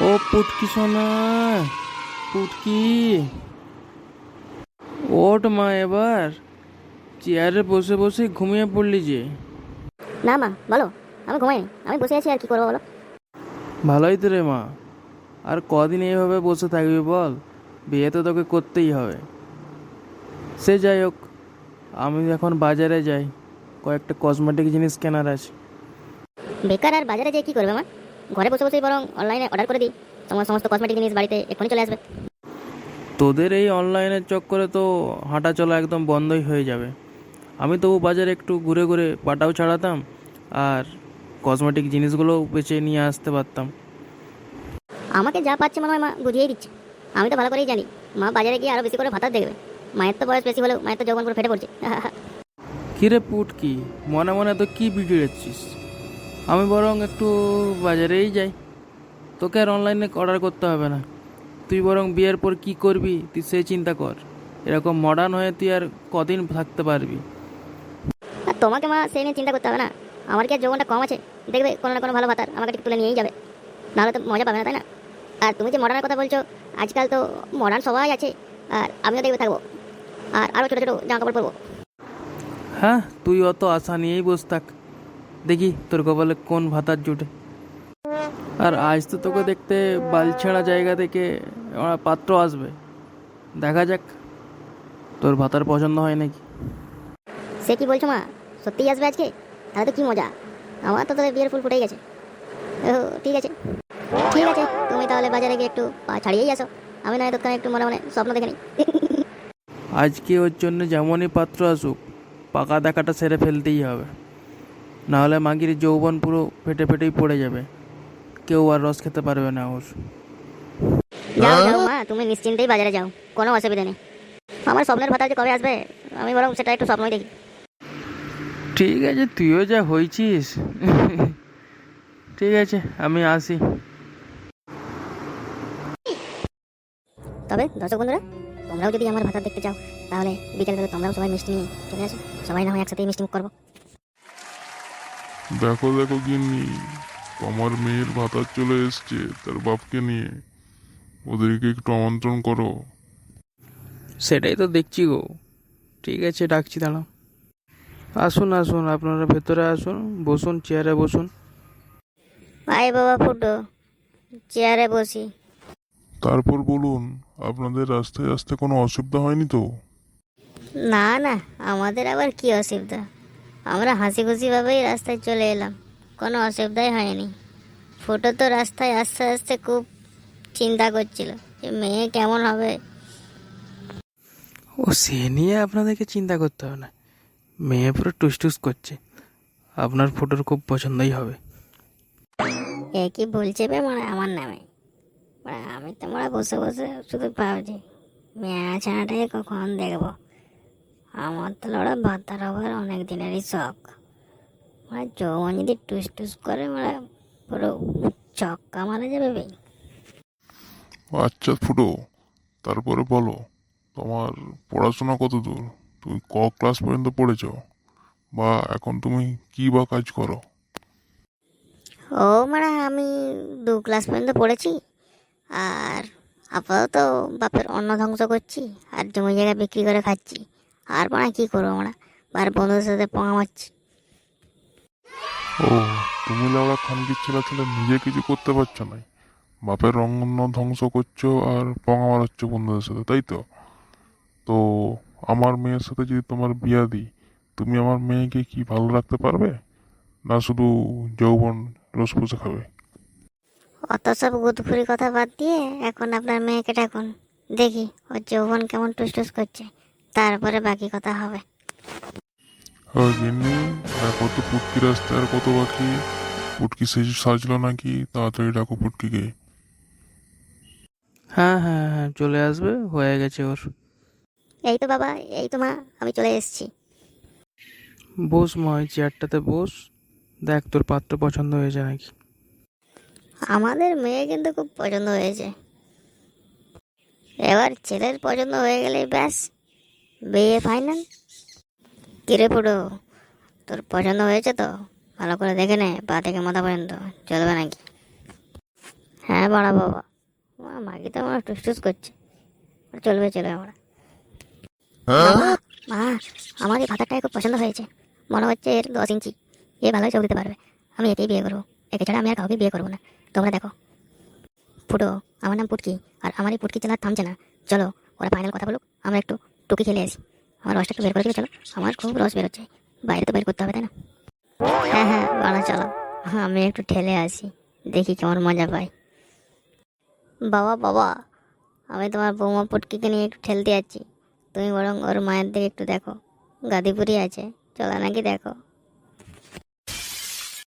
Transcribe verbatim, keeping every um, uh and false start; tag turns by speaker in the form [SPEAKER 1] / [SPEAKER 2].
[SPEAKER 1] ও পুটকি সোনা, পুটকি ওঠ মা। এবার চেয়ারে বসে বসে ঘুমিয়ে পড়লি যে।
[SPEAKER 2] না মা, বলো। আমি ঘুমাইনি, আমি বসে আছি, আর কি করবো বলো।
[SPEAKER 1] ভালোই তো রে মা। আর কদিন এইভাবে বসে থাকবি বল? বিয়ে তো তোকে করতেই হবে। সে যাই হোক, আমি এখন বাজারে যাই, কয়েকটা কসমেটিক জিনিস কেনার আছে।
[SPEAKER 2] বেকার আর বাজারে যেয়ে কি করবে মা? ঘরে বসে বসেই বরং অনলাইনে অর্ডার করে দিই, তোমার সমস্ত কসমেটিক জিনিস বাড়িতে এক্ষুনি চলে আসবে।
[SPEAKER 1] তোদের এই অনলাইনের চক্করে তো হাঁটা চলা একদম বন্ধই হয়ে যাবে। আমি তবু বাজারে একটু ঘুরে ঘুরে পাটাও ছাড়াতাম, আর কসমেটিক জিনিসগুলোও বেছে নিয়ে আসতে পারতাম।
[SPEAKER 2] আমাকে যা পাচ্ছে মনে হয় মা বুঝিয়েই দিচ্ছে। আমি তো ভালো করেই জানি মা বাজারে গিয়ে আরো বেশি করে ভাতার দেখবে। মায়ের তো বয়স বেশি হলেও মায়ের তো যৌবন পুরো ফেটে পড়ছে।
[SPEAKER 1] কিরে পুটকি, মনে মনে তো কি বিগড়েছিস? আমি বরং একটু বাজারেই যাই, তোকে আর অনলাইনে অর্ডার করতে হবে না। তুই বরং বিয়ের পর কি করবি তুই সে চিন্তা কর। এরকম মডার্ন হয়ে তুই আর কদিন থাকতে পারবি?
[SPEAKER 2] আর তোমাকে মা সেই নিয়ে চিন্তা করতে হবে না। আমার কি আর যৌবনটা কম আছে? দেখবে কোনো না কোনো ভালো ভাতার আমাকে ঠিক তুলে নিয়েই যাবে, নাহলে তো মজা পাবে না, তাই না? আর তুমি যে মডার্নের কথা বলছো, আজকাল তো মডার্ন সবাই আছে, আর আমিও দেখবে থাকবো, আর আরও ছোটো ছোটো জামা কাপড় পরবো।
[SPEAKER 1] হ্যাঁ, তুই অত আশা নিয়েই বস থাক, দেখি তোর কপালে কোন ভাতার জুটে। আর আজ তো তোকে দেখতে বালছেড়া জায়গা থেকে আমার পাত্র আসবে, দেখা যাক তোর ভাতার পছন্দ হয় নাকি।
[SPEAKER 2] সে কি বলছো মা? সত্যিই আসবে আজকে? তাহলে তো কি মজা, আমার তো তোদের বিয়ের ফুল ফুটেই গেছে। ও ঠিক আছে, ঠিক আছে, তুমি তাহলে বাজারে গিয়ে একটু পা ছাড়িয়েই আসো, আমি নয় দোকানে একটু মনে মনে স্বপ্ন দেখে নিই।
[SPEAKER 1] আজকে ওর জন্য যেমনই পাত্র আসুক, পাকা দেখাটা সেরে ফেলতেই হবে, নাহলে মাগির যৌবন পুরো ফেটে ফেটেই পড়ে যাবে, কেউ আর রস খেতে পারবে না ওর।
[SPEAKER 2] যাও যাও মা, তুমি নিশ্চিন্তেই বাজারে যাও, কোনো অসুবিধা নেই। আমার স্বপ্নের ভাতা যে কবে আসবে, আমি বরং সেটা একটু স্বপ্নই দেখি।
[SPEAKER 1] ঠিক আছে, তুইও যা হয়েছিস। ঠিক আছে, আমি আসি।
[SPEAKER 2] তবে দর্শক বন্ধুরা, তোমরাও যদি আমার ভাতা দেখতে চাও, তাহলে বিকেলবেলা তোমরাও সবাই মিষ্টি নিয়ে চলে আসো, সবাই না হয় একসাথেই মিষ্টি মুখ করবো।
[SPEAKER 3] দেখো দেখো গিন্নি, তোমার মেয়ের ভাতার চলে এসছে তার বাপকে নিয়ে, ওদেরকে একটু আমন্ত্রণ করো।
[SPEAKER 1] সেটাই তো দেখছি গো। ঠিক আছে, ডাকছি, দাঁড়াও। আসুন আসুন, আপনারা ভেতরে আসুন, বসুন, চেয়ারে বসুন।
[SPEAKER 2] আয় বাবা ফুটো, চেয়ারে বসি।
[SPEAKER 3] তারপর বলুন, আপনাদের রাস্তায় আসতে কোনো অসুবিধা হয়নি তো?
[SPEAKER 2] না না, আমাদের আবার কি অসুবিধা, আমরা হাসি খুশি ভাবেই রাস্তায় চলে এলাম, কোনো অসুবিধাই হয়নি। ফুটো তো রাস্তায় আস্তে আস্তে খুব চিন্তা করছিল যে মেয়ে কেমন হবে।
[SPEAKER 1] ও, সে নিয়ে আপনাদেরকে চিন্তা করতে হবে না, মেয়ে পুরো টুসটুস করছে, আপনার ফটোর খুব পছন্দই হবে।
[SPEAKER 2] এ কি বলছে বে মানে আমার নামে? মানে আমি তো মানে বসে বসে শুধু ভাবছি মেয়ে ছানাটাকে কখন দেখবো। আমার তো লড়া ভাতার হবার অনেক দিনেরই শখ। মানে যৌবন যদি টুস টুস করে মানে পুরো ছক্কা মারা যাবে বে।
[SPEAKER 3] আচ্ছা ফুটো, তারপরে বলো, তোমার পড়াশোনা কত দূর? তুমি ক ক্লাস পর্যন্ত পড়েছ, বা এখন তুমি কি বা কাজ করো?
[SPEAKER 2] ও মানে আমি দু ক্লাস পর্যন্ত পড়েছি, আর আপাতত বাপের অন্ন ধ্বংস করছি, আর জমি জায়গা বিক্রি করে খাচ্ছি। আর মানে কি করবো আমরা, আর বন্ধুদের সাথে পোঙা মারছি।
[SPEAKER 3] ও, তুমি লাউড়া খানকির ছেলে ছেলে নিজে কিছু করতে পারছো না, বাপের অন্ন ধ্বংস করছো আর পঙা মারাচ্ছ বন্ধুদের সাথে, তাই তো? তো আমার মেয়ের সাথে যদি তোমার বিয়া দিই, তুমি আমার মেয়েকে কি ভালো রাখতে পারবে, না শুধু যৌবন রস পুষে খাবে?
[SPEAKER 2] অত সব গুদফুরি কথা বাদ দিয়ে এখন আপনার মেয়েকে ডাকুন, দেখি ওর যৌবন কেমন টুসটুস করছে, তারপরে বাকি কথা হবে।
[SPEAKER 3] হ্যাঁ গিন্নি, দেখো তো পুটকি রাস্তায় আর কত বাকি। পুটকি সেজ সাজলো নাকি, তাড়াতাড়ি ডাকো পুটকিকে।
[SPEAKER 1] হ্যাঁ হ্যাঁ হ্যাঁ, চলে আসবে, হয়ে গেছে ওর।
[SPEAKER 2] এই তো বাবা, এই তো মা, আমি চলে এসেছি।
[SPEAKER 1] বস মা, ওই চেয়ারটাতে বস, দেখ তোর পাত্র পছন্দ হয়েছে নাকি।
[SPEAKER 2] আমাদের মেয়ে কিন্তু খুব পছন্দ হয়েছে, এবার ছেলের পছন্দ হয়ে গেলে ব্যাস বিয়ে ফাইনাল। কিরে ফুটো, তোর পছন্দ হয়েছে তো? ভালো করে দেখে নে, পা থেকে মাথা পর্যন্ত, চলবে নাকি? হ্যাঁ বাড়া বাবা, আমার মাকে তো আমার টুসটুস করছে। চলবে চলবে আমরা। বাবা, মা, আমার এই ভাতারটাই খুব পছন্দ হয়েছে। মনে হচ্ছে এর দশ ইঞ্চি, এ ভালোই চোখ দিতে পারবে। আমি একেই বিয়ে করবো, একে ছাড়া আমি আর কাউকে বিয়ে করবো না। তোমরা দেখো ফুটো, আমার নাম পুটকি, আর আমার এই পুটকি চালা থামছে না। চলো ওরা ফাইনাল কথা বলুক, আমরা একটু টুকি খেলে আসি। আমার রসটা একটু বের করে দিবে চলো, আমার খুব রস বেরোচ্ছে, বাইরে তো বের করতে হবে তাই না? হ্যাঁ হ্যাঁ বাড়া চলো, আমি একটু ঠেলে আসি, দেখি কেমন মজা পাই। বাবা বাবা, আমি তোমার বৌমা পুটকিকে নিয়ে একটু ঠেলতে যাচ্ছি, তুমি বরং ওর মায়ের দিকে একটু দেখো, গাদিপুরি আছে, চলো নাকি দেখো।